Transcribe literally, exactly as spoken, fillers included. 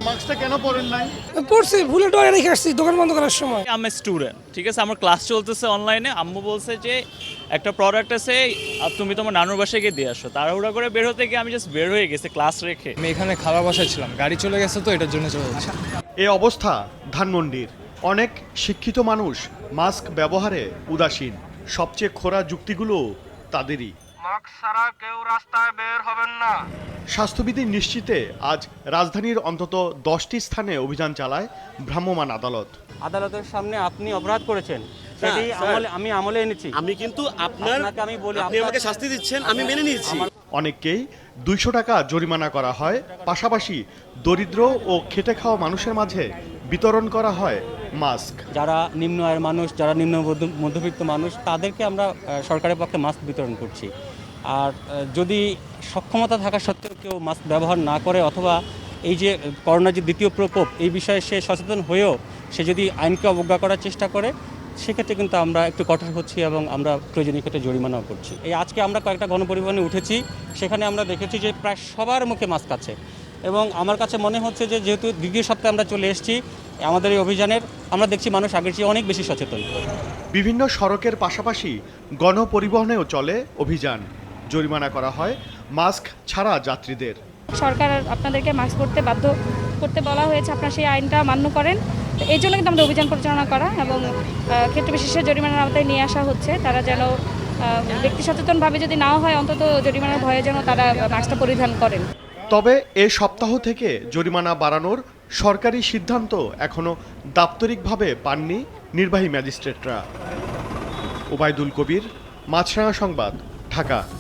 মাস্কটা কেন পরেন নাই? পড়ছি, ভুলে ডরে রেখে আসছি দোকান বন্ধ করার সময়। আমি স্টুডেন্ট, ঠিক আছে, আমার ক্লাস চলতেছে অনলাইনে। আম্মু বলছে যে একটা প্রোডাক্ট আছে, আর তুমি তোমার নানুর বাসায় গিয়ে দিয়ে আসো। তাড়াহুড়া করে বের হতে গিয়ে আমি জাস্ট বের হয়ে গেছি ক্লাস রেখে। আমি এখানে খাবার বাসায় ছিলাম, গাড়ি চলে গেছে তো এটার জন্য চলে যাচ্ছি। এই অবস্থা ধানমন্ডির। অনেক শিক্ষিত মানুষ মাস্ক ব্যবহারে উদাসীন। সবচেয়ে খোরা যুক্তিগুলো তাদেরই। মাস্ক ছাড়া কেউ রাস্তায় বের হবেন না। স্বাস্থ্যবিধি নিশ্চিতে আজ রাজধানীর অন্তত দশটি স্থানে অভিযান চালায় ভ্রাম্যমাণ আদালত। আদালতের সামনে আপনি অপরাধ করেছেন, সেটি আমলে আমি আমলে এনেছি। আমি কিন্তু আপনার আপনাকে আমি বলি, আপনি আমাকে শাস্তি দিচ্ছেন, আমি মেনে নিয়েছি। অনেককেই দুইশো টাকা জরিমানা করা হয়, পাশাপাশি দরিদ্র ও খেটে খাওয়া মানুষের মাঝে বিতরণ করা হয় মাস্ক। যারা নিম্ন আয়ের মানুষ, যারা নিম্ন মধ্য- মধ্যবিত্ত মানুষ, তাদেরকে আমরা আহ, সরকারের পক্ষে মাস্ক বিতরণ করছি। আর আহ, যদি সক্ষমতা থাকা সত্ত্বেও কেউ মাস্ক ব্যবহার না করে, অথবা এই যে করোনার যে দ্বিতীয় প্রকোপ, এই বিষয়ে সে সচেতন হয়েও সে যদি আইনকে অবজ্ঞা করার চেষ্টা করে, সেক্ষেত্রে কিন্তু আমরা একটু কঠোর হচ্ছি এবং আমরা প্রয়োজনীয় ক্ষেত্রে জরিমানাও করছি। এই আজকে আমরা কয়েকটা গণপরিবহনে উঠেছি, সেখানে আমরা দেখেছি যে প্রায় সবার মুখে মাস্ক আছে। এবং আমার কাছে মনে হচ্ছে যে যেহেতু দ্বিতীয় সপ্তাহে আমরা চলে এসেছি আমাদের এই অভিযানের, আমরা দেখছি মানুষ আগের চেয়ে অনেক বেশি সচেতন। বিভিন্ন সড়কের পাশাপাশি গণপরিবহনেও চলে অভিযান। জরিমানা করা হয় মাস্ক ছাড়া যাত্রীদের। সরকার আপনাদেরকে মাস্ক পরতে বাধ্য করতে বলা হয়েছে, আপনারা সেই আইনটা মান্য করেন। তো এই জন্য কিন্তু আমাদের অভিযান পরিচালনা করা এবং ক্ষেত্র বিশেষে জরিমানার আওতায় নিয়ে আসা হচ্ছে। তারা যেন ব্যক্তি সচেতনভাবে যদি নাও হয়, অন্তত জরিমানার ভয়ে যেন তারা মাস্কটা পরিধান করেন। তবে এ সপ্তাহ থেকে জরিমানা বাড়ানোর সরকারি সিদ্ধান্ত এখনও দাপ্তরিকভাবে পাননি নির্বাহী ম্যাজিস্ট্রেটরা। ওবায়দুল কবির, মাছরাঙা সংবাদ, ঢাকা।